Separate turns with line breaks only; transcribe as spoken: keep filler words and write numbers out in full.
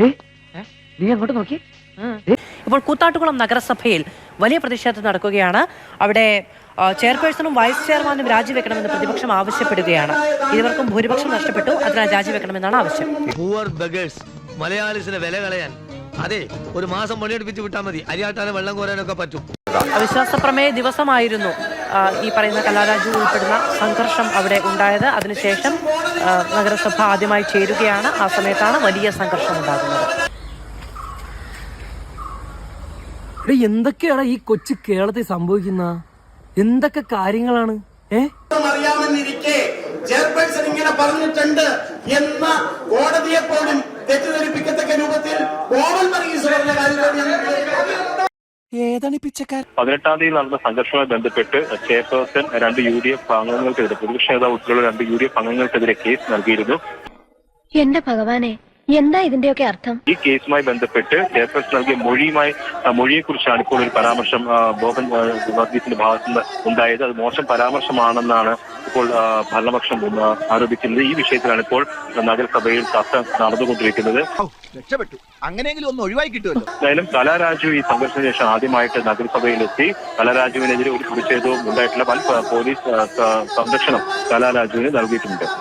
നീ അങ്ങോട്ട് നോക്കി.
ഇപ്പോൾ കൂത്താട്ടുകുളം നഗരസഭയിൽ വലിയ പ്രതിഷേധം നടക്കുകയാണ്. അവിടെ ചെയർപേഴ്സണും വൈസ് ചെയർമാനും രാജിവെക്കണമെന്ന് പ്രതിപക്ഷം ആവശ്യപ്പെടുകയാണ്. ഇരുവർക്കും ഭൂരിപക്ഷം നഷ്ടപ്പെട്ടു, അതിനാൽ രാജിവെക്കണമെന്നാണ് ആവശ്യം.
മലയാളിസിനെ വില കളയാൻ അതെ ഒരു മാസം പണിയെടുപ്പിച്ച് വിട്ടാൽ മതി, അരിയാട്ടാനും വെള്ളം കോരാനൊക്കെ പറ്റും.
അവിശ്വാസ പ്രമേയ ദിവസമായിരുന്നു ഈ പറയുന്ന കലാരാജു ഉൾപ്പെടുന്ന സംഘർഷം അവിടെ ഉണ്ടായത്. അതിനുശേഷം നഗരസഭ ആദ്യമായി ചേരുകയാണ്. ആ സമയത്താണ് വലിയ സംഘർഷം ഉണ്ടാകുന്നത്.
എന്തൊക്കെയാണ് ഈ കൊച്ചു കേരളത്തിൽ സംഭവിക്കുന്ന എന്തൊക്കെ കാര്യങ്ങളാണ്?
അറിയാമെന്നിരിക്കെ ചെയർപേഴ്സൺ ഇങ്ങനെ പറഞ്ഞിട്ടുണ്ട് എന്ന കോടതിയെ പോലും തെറ്റിദ്ധരിപ്പിക്കത്തക്ക രൂപത്തിൽ
പതിനെട്ടാം തീയതി നടന്ന സംഘർഷവുമായി ബന്ധപ്പെട്ട് ചെയർപേഴ്സൺ രണ്ട് യു ഡി എഫ് അംഗങ്ങൾക്കെതിരെ പ്രതിപക്ഷ നേതാവ് ഉൾപ്പെടെയുള്ള രണ്ട് യു ഡി എഫ് അംഗങ്ങൾക്കെതിരെ കേസ് നൽകിയിരുന്നു.
എന്റെ ഭഗവാനെ, എന്താ ഇതിന്റെയൊക്കെ അർത്ഥം?
ഈ കേസുമായി ബന്ധപ്പെട്ട് ചെയർപേഴ്സൺ നൽകിയ മൊഴിയുമായി മൊഴിയെ കുറിച്ചാണ് ഇപ്പോൾ ഒരു പരാമർശം ബോബൻ വർഗീസിന്റെ ഭാഗത്തു നിന്ന് ഉണ്ടായത്. അത് മോശം പരാമർശമാണെന്നാണ് ഇപ്പോൾ ഭരണപക്ഷം ആരോപിക്കുന്നത്. ഈ വിഷയത്തിലാണ് ഇപ്പോൾ നഗരസഭയിൽ ചർച്ച നടന്നുകൊണ്ടിരിക്കുന്നത്.
രക്ഷപ്പെട്ടു, അങ്ങനെയെങ്കിലും ഒന്ന് ഒഴിവായി കിട്ടുമല്ലോ.
എന്തായാലും കലാരാജു ഈ സംഘർഷത്തിന് ശേഷം ആദ്യമായിട്ട് നഗരസഭയിലെത്തി. കലാരാജുവിനെതിരെ ഒരു പ്രതിഷേധവും ഉണ്ടായിട്ടില്ല. വൻ പോലീസ് സംരക്ഷണം കലാരാജുവിന് നൽകിയിട്ടുണ്ട്.